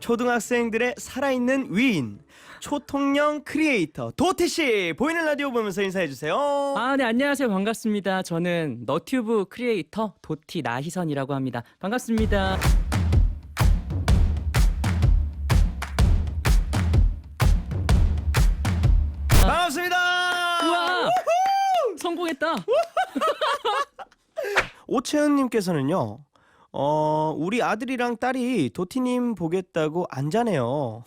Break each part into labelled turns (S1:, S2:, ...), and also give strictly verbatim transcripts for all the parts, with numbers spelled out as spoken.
S1: 초등학생들의 살아있는 위인, 초통령 크리에이터 도티씨 보이는 라디오 보면서 인사해주세요.
S2: 아, 네, 안녕하세요. 반갑습니다. 저는 너튜브 크리에이터 도티 나희선이라고 합니다. 반갑습니다.
S1: 반갑습니다.
S2: 우와! 성공했다.
S1: 오채은님께서는요, 어 우리 아들이랑 딸이 도티님 보겠다고 안 자네요.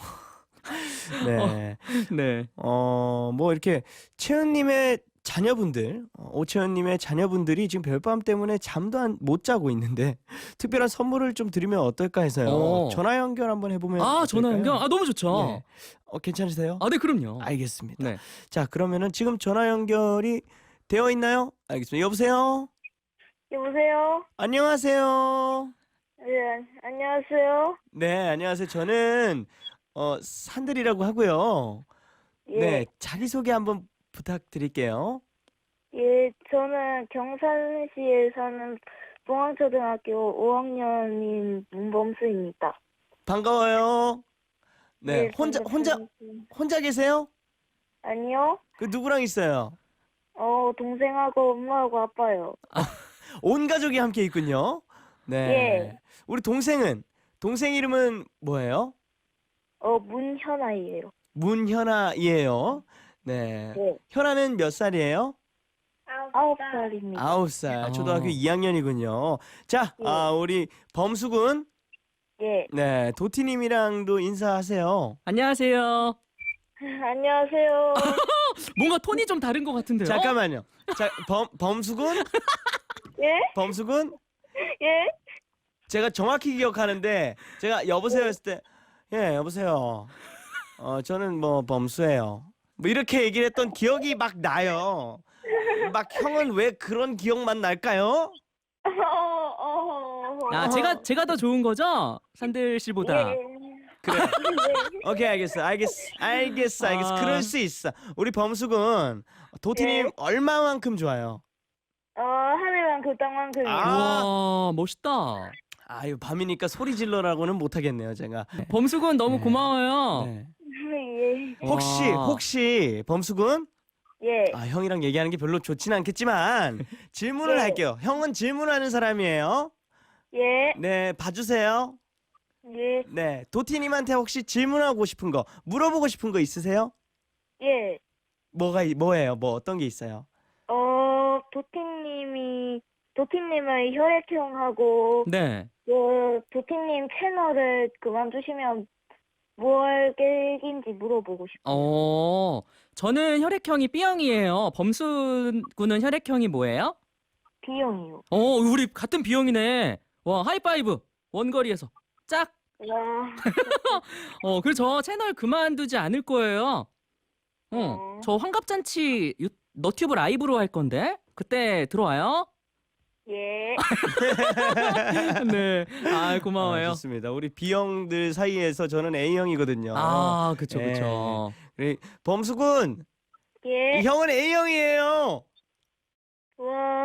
S1: 네,
S2: 네.
S1: 어 뭐 이렇게 채은님의 자녀분들, 어, 오채은님의 자녀분들이 지금 별밤 때문에 잠도 안, 못 자고 있는데 특별한 선물을 좀 드리면 어떨까 해서요.
S2: 어.
S1: 전화 연결 한번 해보면
S2: 아, 전화
S1: 어떨까요?
S2: 연결? 아, 너무 좋죠.
S1: 네. 어, 괜찮으세요?
S2: 아, 네, 그럼요.
S1: 알겠습니다.
S2: 네.
S1: 자, 그러면은 지금 전화 연결이 되어 있나요? 알겠습니다. 여보세요?
S3: 여보세요?
S1: 안녕하세요.
S3: 네, 안녕하세요.
S1: 네, 안녕하세요. 저는 어, 산들이라고 하고요.
S3: 예,
S1: 네, 자기소개 한번 부탁드릴게요.
S3: 예, 저는 경산시에 사는 봉황초등학교 오 학년인 문범수입니다.
S1: 반가워요. 네,
S3: 예,
S1: 혼자 혼자
S3: 반갑습니다.
S1: 혼자 계세요?
S3: 아니요.
S1: 그 누구랑 있어요?
S3: 어, 동생하고 엄마하고 아빠요.
S1: 온 가족이 함께 있군요. 네.
S3: 예.
S1: 우리 동생은 동생 이름은 뭐예요?
S3: 어, 문현아이에요.
S1: 문현아이에요. 네.
S3: 네.
S1: 현아는 몇 살이에요?
S3: 아홉 살입니다.
S1: 아홉 살.
S2: 어.
S1: 초등학교 이 학년이군요. 자,
S3: 예.
S1: 아, 우리 범수군.
S3: 예.
S1: 네, 도티님이랑도 인사하세요.
S2: 안녕하세요.
S3: 안녕하세요.
S2: 뭔가 톤이 좀 다른 것 같은데요?
S1: 잠깐만요. 자, 범 범수군?
S3: 예?
S1: 범수군?
S3: 예?
S1: 제가 정확히 기억하는데 제가 여보세요 했을 때 예, 여보세요. 어, 저는 뭐 범수예요. 뭐 이렇게 얘기를 했던 기억이 막 나요. 막 형은 왜 그런 기억만 날까요?
S3: 어, 어, 어.
S2: 아, 제가 제가 더 좋은 거죠? 산들 씨보다.
S3: 예.
S1: 그래요.
S3: 네.
S1: 오케이, 알겠어. 알겠어. 알겠어. 알겠어.
S2: 아.
S1: 그럴 수 있어. 우리 범수군 도티님
S3: 예.
S1: 얼마만큼 좋아요?
S3: 어, 하늘만큼 땅만큼이요.
S1: 아.
S2: 우와, 멋있다.
S1: 아유, 밤이니까 소리 질러라고는 못 하겠네요, 제가.
S2: 범수군 너무
S1: 네.
S2: 고마워요.
S1: 네.
S3: 예.
S1: 혹시
S2: 와.
S1: 혹시 범수군?
S3: 예.
S1: 아, 형이랑 얘기하는 게 별로 좋진 않겠지만 질문을
S3: 네.
S1: 할게요. 형은 질문하는 사람이에요.
S3: 예.
S1: 네, 봐주세요.
S3: 예.
S1: 네, 도티님한테 혹시 질문하고 싶은 거, 물어보고 싶은 거 있으세요?
S3: 예.
S1: 뭐가 이- 뭐예요? 뭐 어떤 게 있어요?
S3: 어, 도티님이, 도티님의 혈액형하고,
S2: 네.
S3: 그, 도티님 채널을 그만두시면 뭘 계획인지 물어보고 싶어요.
S2: 어, 저는 혈액형이 B형이에요. 범수군은 혈액형이 뭐예요?
S3: B형이요.
S2: 어, 우리 같은 B형이네. 와, 하이파이브. 원거리에서. 짝.
S3: 와,
S2: 어, 그래서 저 채널 그만두지 않을 거예요. 어,
S3: 어.
S2: 저 환갑잔치 유, 너튜브 라이브로 할 건데 그때 들어와요.
S3: 예.
S2: 네, 아
S1: 아,
S2: 고마워요.
S1: 좋습니다. 우리 B형들 사이에서 저는 A형이거든요.
S2: 아, 그쵸,
S1: 예.
S2: 그쵸.
S1: 우리 범수군,
S3: 예.
S1: 형은 A형이에요.
S3: 와,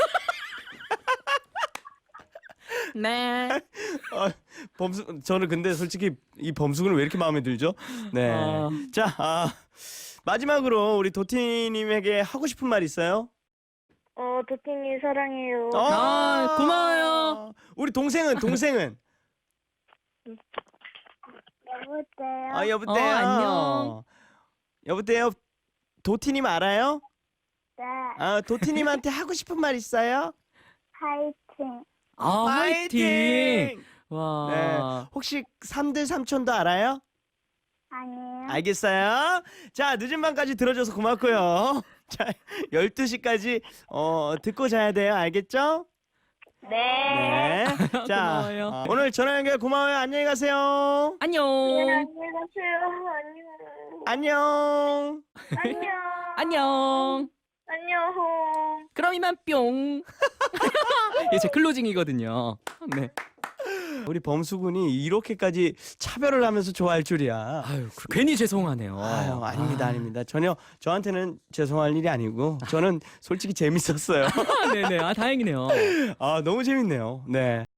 S2: 네.
S1: 아, 범수, 저는 근데 솔직히 이 범수군을 왜 이렇게 마음에 들죠? 네.
S2: 아.
S1: 자, 아, 마지막으로 우리 도티님에게 하고 싶은 말 있어요?
S3: 어, 도티님 사랑해요.
S2: 아, 고마워요.
S1: 우리 동생은 동생은
S3: 여보세요?
S1: 아, 여보세요.
S2: 어, 안녕.
S1: 여보세요. 도티님 알아요?
S3: 네.
S1: 아, 도티님한테 하고 싶은 말 있어요?
S3: 파이팅.
S2: 아, 화이팅. 와.
S1: 네. 혹시 삼들 삼촌도 알아요?
S3: 아니요.
S1: 알겠어요. 자, 늦은 밤까지 들어줘서 고맙고요. 자, 열두 시까지 어, 듣고 자야 돼요. 알겠죠?
S3: 네.
S1: 네. 자,
S2: 고마워요.
S1: 어, 오늘 전화 연결 고마워요. 안녕히 가세요.
S2: 안녕.
S3: 네, 안녕히 가세요. 안녕.
S1: 안녕.
S3: 안녕.
S2: 안녕.
S3: 안녕.
S2: 그럼 이만 뿅. 이게 제 클로징이거든요. 네.
S1: 우리 범수군이 이렇게까지 차별을 하면서 좋아할 줄이야.
S2: 아유, 그- 괜히 죄송하네요.
S1: 아유, 아닙니다,
S2: 아.
S1: 아닙니다. 전혀 저한테는 죄송할 일이 아니고 저는 솔직히 재밌었어요.
S2: 네네. 아, 다행이네요.
S1: 아, 너무 재밌네요. 네.